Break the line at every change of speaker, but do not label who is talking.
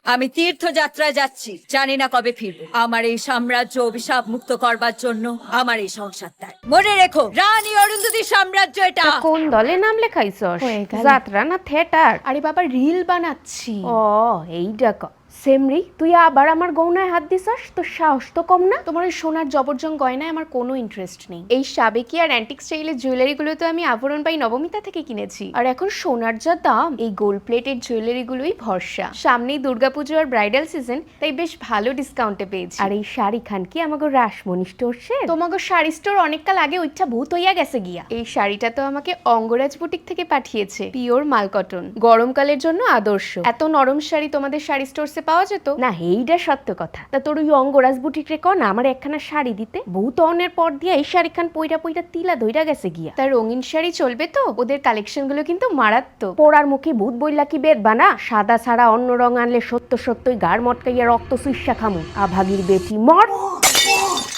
আমি তীর্থযাত্রায় যাচ্ছি, জানি না কবে ফিরবো। আমার এই সাম্রাজ্য অভিশাপ মুক্ত করবার জন্য আমার এই সংসার ত্যাগ। মনে রেখো, রানী অরুন্ধতির সাম্রাজ্য এটা।
কোন দলে নাম লেখাইছস?
হয়ে গেল।
যাত্রা না থিয়েটার?
আরে বাবা রিল বানাচ্ছি।
ও এইটা ক সেমরি, তুই আবার আমার গৌনায় হাত দিছস? তোর সাহস তো কম না।
তোমার ওই সোনার জবরজং গয়নায় আমার কোনো ইন্টারেস্ট নেই। এই সাবেকি আর অ্যান্টিক স্টাইলের জুয়েলারিগুলো তো আমি আভরণ পাই নবমিতা থেকে কিনেছি। আর এখন সোনার যা দাম, এই গোল্ড প্লেটেড জুয়েলারিগুলোই ভরসা। সামনেই দুর্গাপুজো আর ব্রাইডাল সিজন, তাই বেশ ভালো ডিসকাউন্টে পেয়েছি।
আর এই শাড়ি খান কি আমাকে রাসমণি স্টোরসের?
তোমাকে শাড়ি স্টোর অনেককাল আগে ওইটা ভূত হইয়া গেছে গিয়া। এই শাড়িটা তো আমাকে অঙ্গরাজ বুটিক থেকে পাঠিয়েছে, পিওর মাল কটন, গরমকালের জন্য আদর্শ। এত নরম শাড়ি তোমাদের শাড়ি স্টোরসে পাওয়া যেত
না, এইটা সত্য কথা। তা তোর ওই অঙ্গরাজ বুটিক রে কন আমার একখানা শাড়ি দিতে। বহুত অনের পর দিয়া এই শাড়ি খান পইরা পইরা তিলা ধইরা গেছে গিয়া।
তার রঙিন শাড়ি চলবে তো? ওদের কালেকশন গুলো কিন্তু মারাত্মক।
পোড়ার মুখে ভূত বইলা কি বেদ বানা? সাদা ছাড়া অন্য রং আনলে সত্য সত্যই গাড় মটকাইয়া রক্ত সুইসা খামু। আভাগীর বেটি মর।